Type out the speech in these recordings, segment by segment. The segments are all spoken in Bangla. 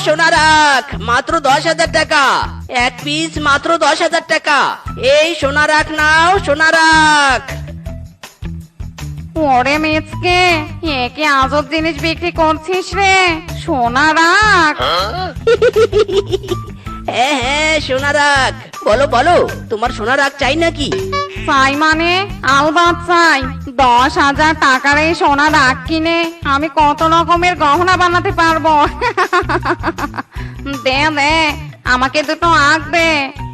সোনা রাখ মাত্র 10,000 টাকা, এক পিস মাত্র 10,000 টাকা। এই সোনা রাখ নাও, সোনা রাখ। ওরে মিচকে, একে আজব জিনিস বিক্রি করছিস রে, সোনা রাখ। হ্যাঁ হ্যাঁ সোনা রাখ। বলো বলো, তোমার সোনা রাখ চাই নাকি? চাই মানে আলবাত চাই। 10,000 টাকার এই সোনা রাখ কিনে আমি কত রকমের গহনা বানাতে পারবো। দে দে, আমাকে দুটো আঁক দে।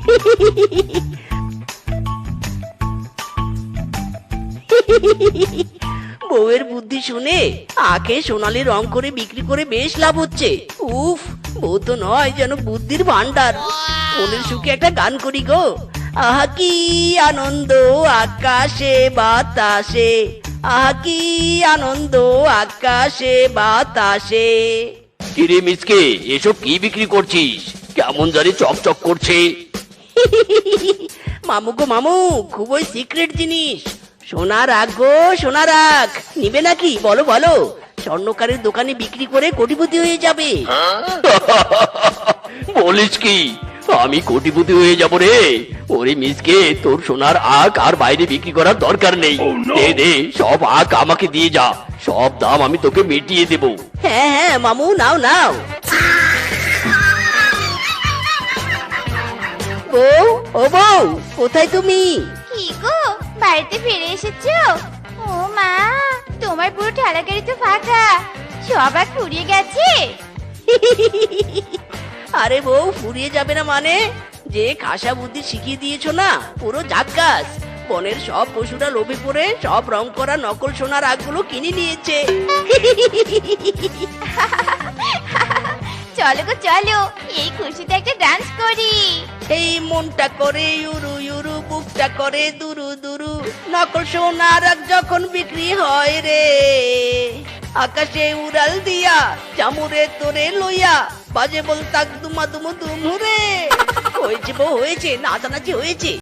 বউয়ের বুদ্ধি শুনে আখে সোনালি রং করে বিক্রি করে বেশ লাভ হচ্ছে। উফ, বউ তো নয় যেন বুদ্ধির ভান্ডার। মনের সুখে একটা গান করি গো। আহা কি আনন্দ আকাশে বাতাসে, আহা কি আনন্দ আকাশে বাতাসে। কিরে মিসকে, এসব কি বিক্রি করছিস? কেমন জানি চকচক করছে। মামু গো মামু, খুবই সিক্রেট জিনিস। সোনা রাখ গো, সোনা রাখ। নিবে নাকি বলো বলো, স্বর্ণকারের দোকানে বিক্রি করে কোটিপতি হয়ে যাবে। বলিস কি, আমি কোটিপতি হয়ে যাব রে? ওরে মিসকে, তোর সোনার আখ আর বাইরে বিক্রি করার দরকার নেই। দে দে, সব আখ আমাকে দিয়ে যা, সব দাম আমি তোকে মিটিয়ে দেব। হ্যাঁ হ্যাঁ মামু, নাও নাও। বউ, ও বউ, কোথায় তুমি? কি গো, বাড়িতে ফিরে এসেছো? ও মা, তোমার পুরো ঠেলা গাড়ি তো ফাঁকা, সব আগ ফুরিয়ে গেছে। আরে বউ, ফুরিয়ে যাবে না মানে? যে খাসা বুদ্ধি শিখিয়ে দিয়েছো না, পুরো জাক্কাস। বনের সব পশুরা লোভে পড়ে সব রং করা নকল সোনার আগগুলো কিনে নিয়েছে। চলো গো চলো, এই খুশিতে একটা ডান্স করি। এই মনটা করে ইউরু ইউরু, বুকটা করে দুরু দুরু। নকল সোনার আগ যখন বিক্রি হয় রে, আকাশে উড়াল দিয়া চামুরে তোরে লইয়া, বাজে বল তাক দুমা দুমু দুমুরে। হয়েছে বউ হয়েছে, নাচানাচি হয়েছে।